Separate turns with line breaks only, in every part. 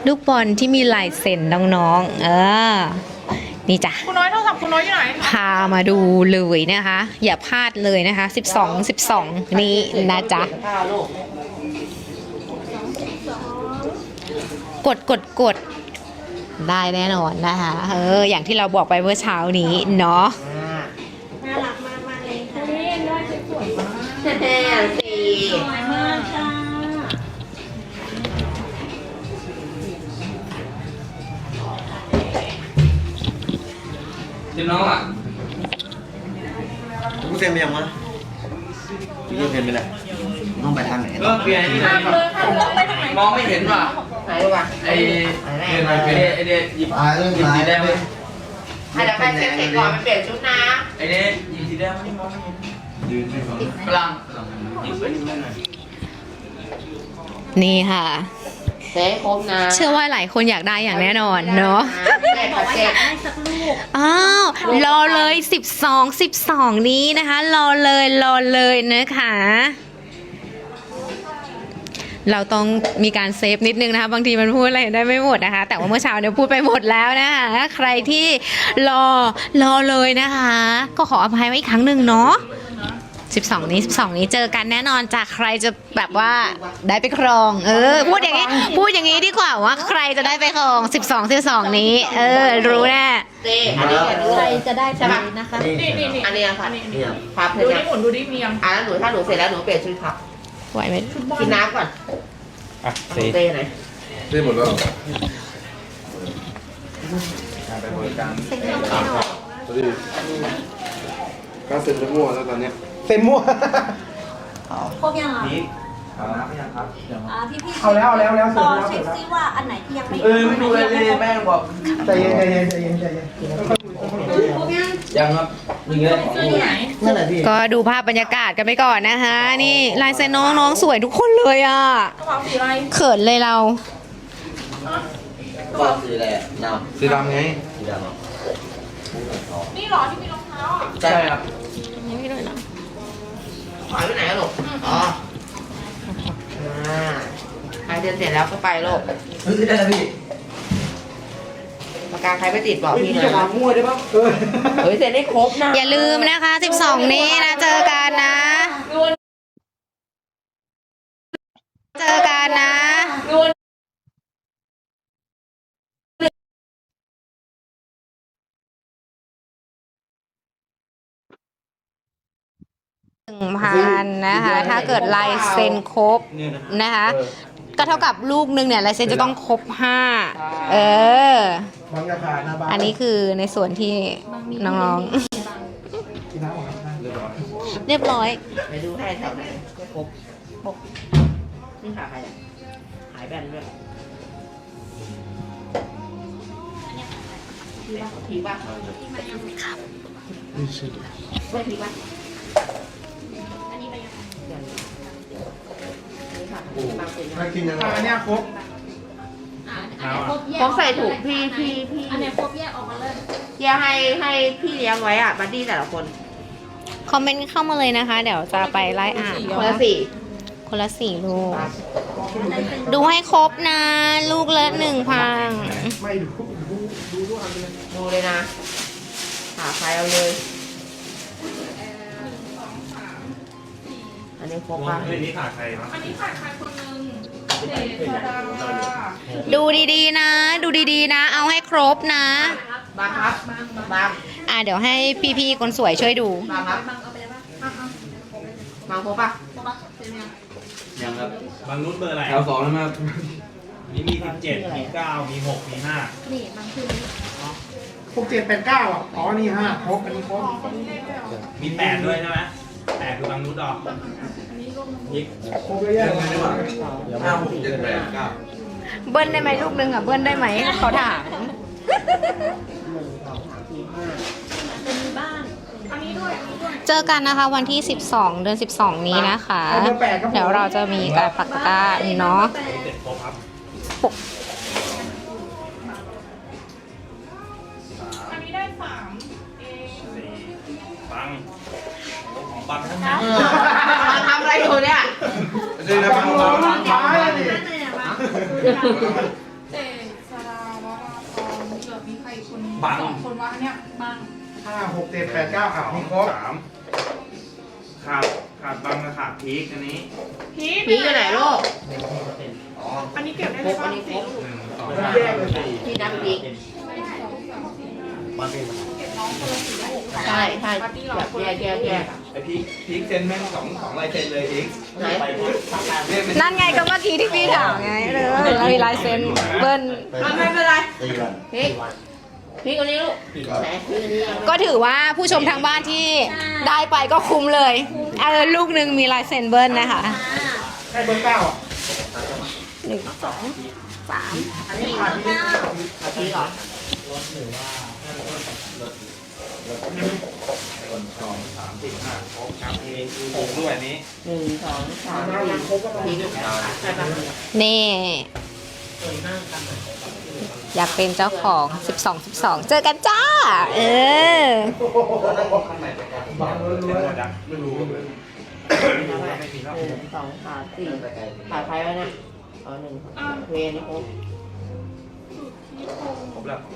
ลูกบอลที่มีลายเซ็นน้องๆนี่จ้ะ
คุณน้อยโทรศัพท์คุณน้อยอยู่ไหน
พามาดูเลยนะคะ อย่าพลาดเลยนะคะ12นี้นะจ๊ะกดได้แน่นอนนะคะอย่างที่เราบอกไปเมื่อเช้านี้เนาะ
น่ารักมากมากเลยค่ะ
นี่ได้สวยมาก
สวยมากค่ะ
จิ้มน้องอ่ะ
กูเซ็นไปยังวะกูยังเซ็นไปแล้วต้องไปทางไหน
เปลี่ยนที่ไหนมองไม่เห็นว่ะไหนวะไอเดินไปไอเดียหยิบสีแดงเลย
ให้เราไปเช็คเสร็จก่อนไปเปลี่ยนชุดนะ
ไอเดียหยิบสีแดงไม่มองไม่เห็นยืนไม่มองพลังหยิบไปนิดหน่อย
นี่ค่ะ
เซ็ครบนะ
เชื่อว่าหลายคนอยากได้อย่างแน่นอนเนาะ
บอกว่าอยากได้สักลูก
อ้าวรอเลย12นี้นะคะรอเลยนะคะเราต้องมีการเซฟนิดนึงนะคะบางทีมันพูดอะไรได้ไม่หมดนะคะแต่ว่าเมื่อเช้าเนี่ยพูดไปหมดแล้วนะคะใครที่รอเลยนะคะก็ขออภัยไว้อีกครั้งหนึ่งเนาะ12นี้เจอกันแน่นอนจากใครจะแบบว่าได้ไปครองพูดอย่างนี้ดีกว่าว่าใครจะได้ไปครอง12นี้รู้แน่
อันนี้
ใครจะได้ใช่ไหมนะคะ
นี่
อันนี้ค่ะพับเล
ดู
ย
ดิหมุนดูดิเมียง
แล้วหนูถ้าหนูเสร็จแล้วหนูเปลี่ยนชุดครับ
ไหวไหม
กินน้ำก่อนเต้ไหน
เซ็นหมดแล้ว
ไปบริการ
สวัสดีก็เซ็นไปมั่วแล้วตอนเนี้ยเซ็นมั่ว
ครบยังอ่ะ
เอาน้ำยังครับ
พี่
เอาแล้ว
ต่อเช็คซิว่าอันไหนที่ยังไม่
ไม่ดูเลยแม่บอก
ใจเย็น
ยังครับนี่เลย
นั่นแหละพี่
ก็ดูภาพบรรยากาศกันไปก่อนนะคะนี่ลายเซ็นน้องสวยทุกคนเลยอ่ะ
กระเป๋าสีอะไร
เขินเลยเรา
ก็สีอะไรน้ำสีดำไงสีดำ
นี่หรอที่มีรองเท้าอ่ะ
ใช่ครับ
นี่ไม่ด้วยนะ
หายไปไหนลูกอ๋อใครเดินเสร็จแล้วก็ไปลูก
ได้แล้วพี่
ปากกาใครไปติดบอกพี่นะ
จะมามั่วได้ปะ
เสร็จได้ครบนะ
อย่าลืมนะคะ12นี้นะเจอกันนะ1,000นะคะถ้าเกิดลายเซ็นครบนะคะก็เท่ากับลูกนึงเนี่ยลายเซ็นจะต้องครบ5อันนี้คือในส่วนที่น้องๆเรียบร้อย
ไปดูให้แถวไหนครบนี่หาใครหายแบนด้วยผีป่ะ
ครับ
ไม่ผีป่ะ
ไม่กินยังไงอันนี้ครบ
ผมใส่ถุงพี่
อันไหนครบแยกออกมาเลย
แยกให้พี่เลี้ยงไว้อ่ะบัดดี้แต่ละคน
คอมเมนต์เข้ามาเลยนะคะเดี๋ยวจะไปไล่อ่าน
คนละ
4ลูกดูให้ครบนะลูกละ1,000
ไม่
ดูเลยนะหาใครเอาเลยอันนี้ครบป่ะ
อันนี้ขาดใครนะ
อันนี้ขาดใครคนนึง
ดูดีๆนะเอาให้ครบนะ
บางครับบาง
เดี๋ยวให้พี่ๆคนสวยช่วยดู
บางครับบางครบป่ะ
ยังครับบางรุ่นเบอร์อะไรแถว2แล้วมามี17มี9มี6มี5
นี่บางคือ
6789อ่ะอ๋อนี่5ครบอันนี้ครบ
มี8ด้วยใช่ไหม8คือบางรุ่นดอกยิก
ครบเลยยังไงดีกว่า
5 6 7 8 9
เบิ้ลได้ไหมลูกนึงเบิ้ลได้ไหมเขาถามเจอกันนะคะวันที่12 เดือน 12นี้นะคะเดี๋ยวเราจะมีการปักตะกร้าเนาะ
อันนี้ได้3
ปังทั้ง
นั้นทำอะไรอยู่เนี่ย
เดี๋ยวนะปัง
7
บัง
สองคนวะอันเนี้ยบัง
5 6 7 8 9อ่ะมีครบ
3ขาดบังกับขาดพีกอันนี้
พีท
พีอยู่ไหนลูก
อันนี้เก็บได้เลยป่ะสี่ลูก
1 2
แยกเลย
พี่นับพี ใช่ใช่แบบแยก
ไอพีกเซ็นแม่ง2ลายเซ็นเลยพีก
ไหน
นั่นไงก็เมื่อกี้ที่พี่ถามไงเรามีลายเซ็นเบิ้ล
ไม่เป็นไรพีพีคนนี้ลูกไหนพีคนนี้
ก็ถือว่าผู้ชมทางบ้านที่ได้ไปก็คุ้มเลยลูกหนึ่งมีลายเซ็นเบิ้ลนะคะ
ให้เบอร์9อ่ะ
1 2 3
อันนี้ขาดพีพีเหรอ
2 3 4 5ครบครับมีวงด้วยอันนี้
1 2 3 4พีใช่ปะ
นี่ อยากเป็นเจ้าของ 12 เจอกันจ้า เออ
บังล้วน
เซ็นหมดยังไม่รู้เลยไม่มีแล้ว
1 2 3 4ขาดใครวะเนี่ยอ๋อ1เวนี่ครบ
ครบแล้ว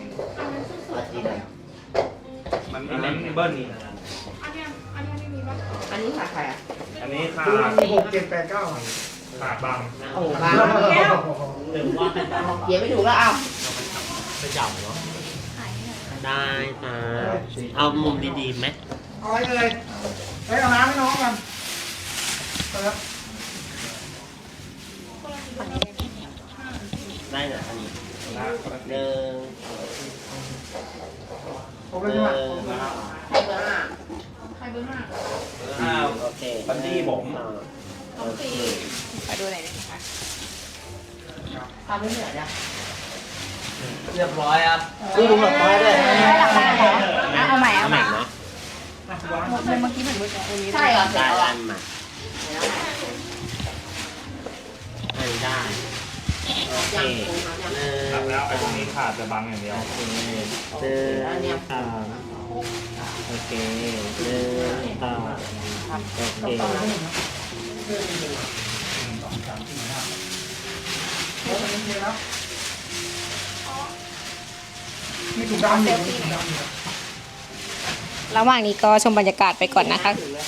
มันอันนั้นเบิ้ล
อันเนี้ยไม่มีป่ะ
อันนี้ขาดใครอ่ะ
อันนี้ขา
ๆ
ด
6 7 8 9อ่ะ
ขาดบัง
โอ้บ้าเขียนไม่ถูกแล้วอ้าว
ได้เอามุมดีๆไหม
เอาไว้เลยเฮ้ยเอาน้ำให้น้องกันครับ
ได้เหรออันนี้หนึ่ง
ผมเลยใช่ไหม
ใครเบอร์ห้า
ใครเบอร์ห้า
โอเค
บันดี้ผม
น้องสี่
ขอดูหน่อยได้ไหมคะ
ทำไม่เหนื่อยนะ
เรียบร้อยครับดูหลับตาด้วย
ได้หลักการเหรอเอาใหม่
เอาใหม่เนาะ
ใช่เหรอ
ได้อันใหม่อันได้โอเค
ขาดแล้วไอ้พวกนี้ขาดแต่บังอย่างเดียว
หนึ่งสองโอเคหนึ่งสองโอเค
มีถุงดำอยู่มีถุงดำอยู่
ระหว่างนี้ก็ชมบรรยากาศไปก่อนนะคะ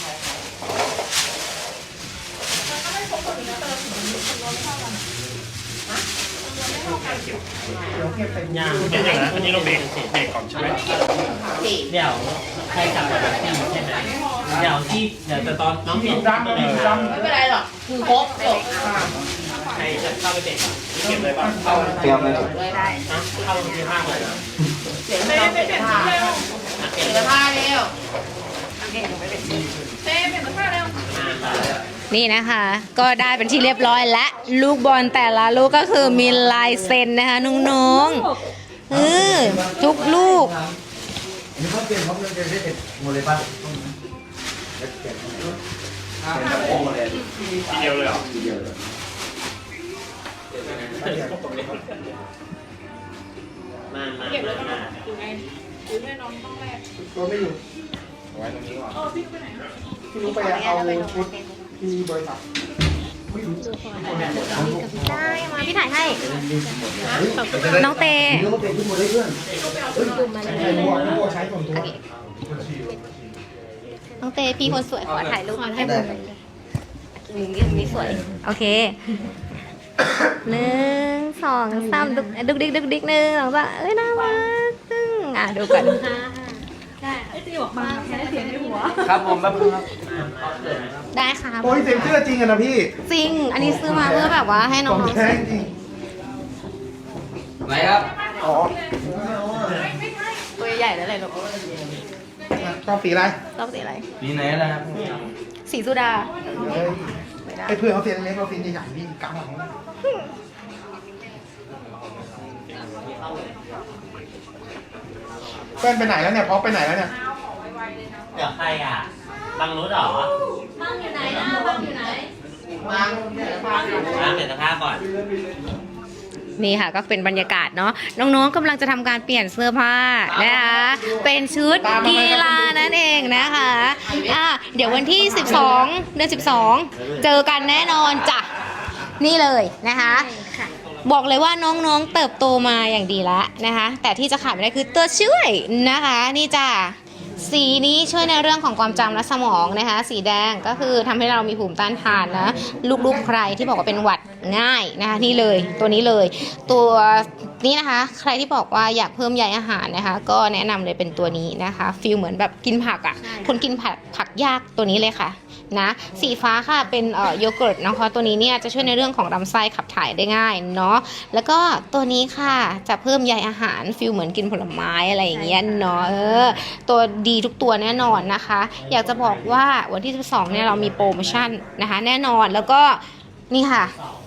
เดี๋ยวเก็บใส่ถุง
ย่าง
เดี๋ยวนะอันนี้เราเบรกก่อนใช่ไหม
สี่
เดี๋ยวใครกลับมาแบบที่ใช่ไหมเดี๋ยวแต่ตอนน้อง
มี
เห็น
ถุงดำมีถุงดำ
ไม่เป็นไรหรอกคือครบจบ
ใครจะเข้าไปเตะก่อน
เก็บเลยป่ะ
เตรียมเลย
ได้
นะเข้าที่ห้างเลยนะ
เสียง
เต้
เรา
ไป
เสีย
เปลี่ยน
ผ้า
ชุดเร็ว
เสียผ้าเร็ว
เต้เปลี่ยนเสื้อผ้าเร็ว
นี่นะคะ ก็ได้เป็นที่เรียบร้อยและลูกบอลแต่ละลูกก็คือมีลายเซ็นนะคะน้องๆทุกลูก
นี่เขาเตรียมเขาเตรียมได้เสร็จหมดเลยป่ะ
ทีเดียวเลยเหรอ
มา
เก็บเลยป่ะอยู่ไงอยู่แม่น้องต้องแรก
ตัวไม่อยู่
ไว้ตรงนี้ก่อน
พี่ไปไหน
พี่รู้ไปเอาชุดที่บริษัทไม่รู้
ได้มาพี่ถ่ายให้ น้องเต
เรื่องมันเป็นทุกหมดเลยเพื่อนใช้หัวใช้ส่วนตัว
น้องเตพี่คนสวยขอถ่ายรูปให้ผมมุมนี้สวย โอเค1 2 3ดุกดิก1 2 3น่ารักดูก่อน
ครับผมแป๊บนึงครับ
ได้ค่ะ
โอ้ยเซ็นเสื้อจริงอะนะพี่
จริง อันนี้ซื้อมาเพื่อแบบว่าให้
ข
น้
อ
อง ง
แท้จริง
ไหนครับ
อ๋อ
ๆตัวใหญ่แล้วเลยลูก
ชอบสีอะไร
ต้องสีอะไร
ปีไหนนะครับ
สีสุดา
ไอ้เพื่อนเขาเซ็นเล็กเราเซ็นใหญ่ๆพี่กำหลังเพื่อนไปไหนแล้วเนี่ยพอไปไหนแล้วเนี่ย
เดี๋ยวใครอ่ะบังรุดเหรอ
บ้างอยู่ไหนนะบ้างอยู่ไหน
วางเสียผ้า
เปลี่ยนเสื้อผ้าก่อน
นี่ค่ะก็เป็นบรรยากาศเนาะน้องๆกำลังจะทำการเปลี่ยนเสื้อผ้านะคะเป็นชุดกีฬานั่นเองนะคะเดี๋ยววันที่12 เดือน 12 เจอกันแน่นอนจ้ะนี่เลยนะคะบอกเลยว่าน้องๆเติบโตมาอย่างดีแล้วนะคะ แต่ที่จะขาดไม่ได้คือตัวช่วยนะคะ นี่จ้ะสีนี้ช่วยในเรื่องของความจำและสมองนะคะ สีแดงก็คือทำให้เรามีภูมิต้านทานนะลูกๆใครที่บอกว่าเป็นหวัดง่ายนะคะนี่เลยตัวนี้เลย ตัวนี้นะคะ ใครที่บอกว่าอยากเพิ่มใยอาหารนะคะ ก็แนะนำเลยเป็นตัวนี้นะคะฟีลเหมือนแบบกินผักอ่ะคนกินผักยากตัวนี้เลยค่ะนะสีฟ้าค่ะเป็นโยเกิร์ตนะคะตัวนี้เนี่ยจะช่วยในเรื่องของลำไส้ขับถ่ายได้ง่ายเนาะแล้วก็ตัวนี้ค่ะจะเพิ่มใยอาหารฟีลเหมือนกินผลไม้อะไรอย่างเงี้ยเนาะตัวดีทุกตัวแน่นอนนะคะ อยากจะบอกว่าวันที่12เนี่ยเรามีโปรโมชั่นนะคะแน่นอนแล้วก็นี่ค่ะ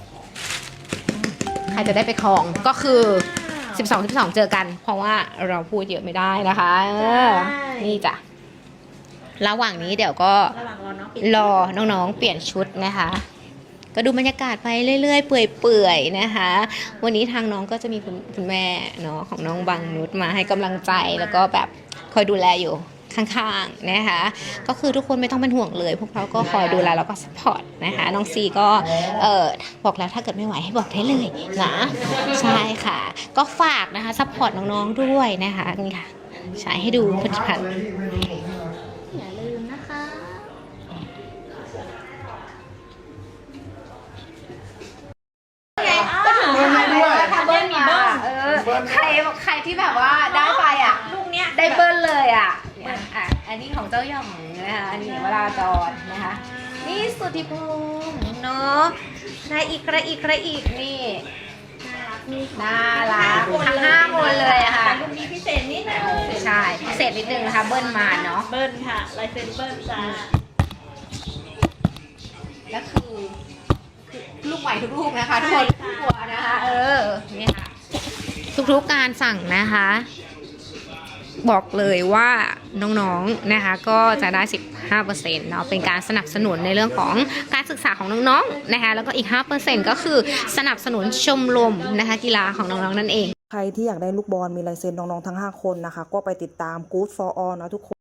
ใครจะได้ไปครองก็คือ12เจอกันเพราะว่าเราพูดเยอะไม่ได้นะคะนี่จ้ะระหว่างนี้เดี๋ยวก็รอน้องๆเปลี่ยนชุดนะคะก็ดูบรรยากาศไปเรื่อยๆเปื่อยๆนะคะวันนี้ทางน้องก็จะมีคุณแม่เนาะของน้องบังนุชมาให้กำลังใจแล้วก็แบบคอยดูแลอยู่ข้างๆนะคะก็คือทุกคนไม่ต้องเป็นห่วงเลยพวกเราก็คอยดูแลแล้วก็สปอร์ตนะคะน้องซีก็บอกแล้วถ้าเกิดไม่ไหวให้บอกได้เลยนะใช่ค่ะก็ฝากนะคะสปอร์ตน้องๆด้วยนะคะนี่ค่ะใช้ให้ดูผลิตภัณฑ์
อย่าลืมนะคะ
ก็ถึงเบิ้ลให้ด้วย
เบิ้ลมีเบิ้ลใครที่แบบว่าได้ไปอ่ะลูกเนี้ยได้เบิ้ลเลยอ่ะอันนี้ของเจ้าหย่องนะคะอันนี้วราจรนะคะนี่สุทธิพงษ์เนาะใครอีกนี่น่ารักทั้ง5 คนเลยอะค่ะ
ลูกนี้พิเศษนิดนึง
ใช่พิเศษนิดนึงนะคะเบิ้ลมาเนาะ
เบิ้ลค่ะลายเซ็นเบิ้ลจ้า
แล้วคือลูกไหวทุกลูกนะคะทุกคนทุกตัวนะคะนี่ค่ะทุกๆการสั่งนะคะ บอกเลยว่าน้องๆนะคะก็จะได้ 15% เนาะเป็นการสนับสนุนในเรื่องของการศึกษาของน้องๆนะคะแล้วก็อีก 5% ก็คือสนับสนุนชมรมนะคะกีฬาของน้องๆนั่นเอง
ใครที่อยากได้ลูกบอลมีลายเซ็นน้องๆทั้ง5 คนนะคะก็ไปติดตาม Good for All นะทุกคน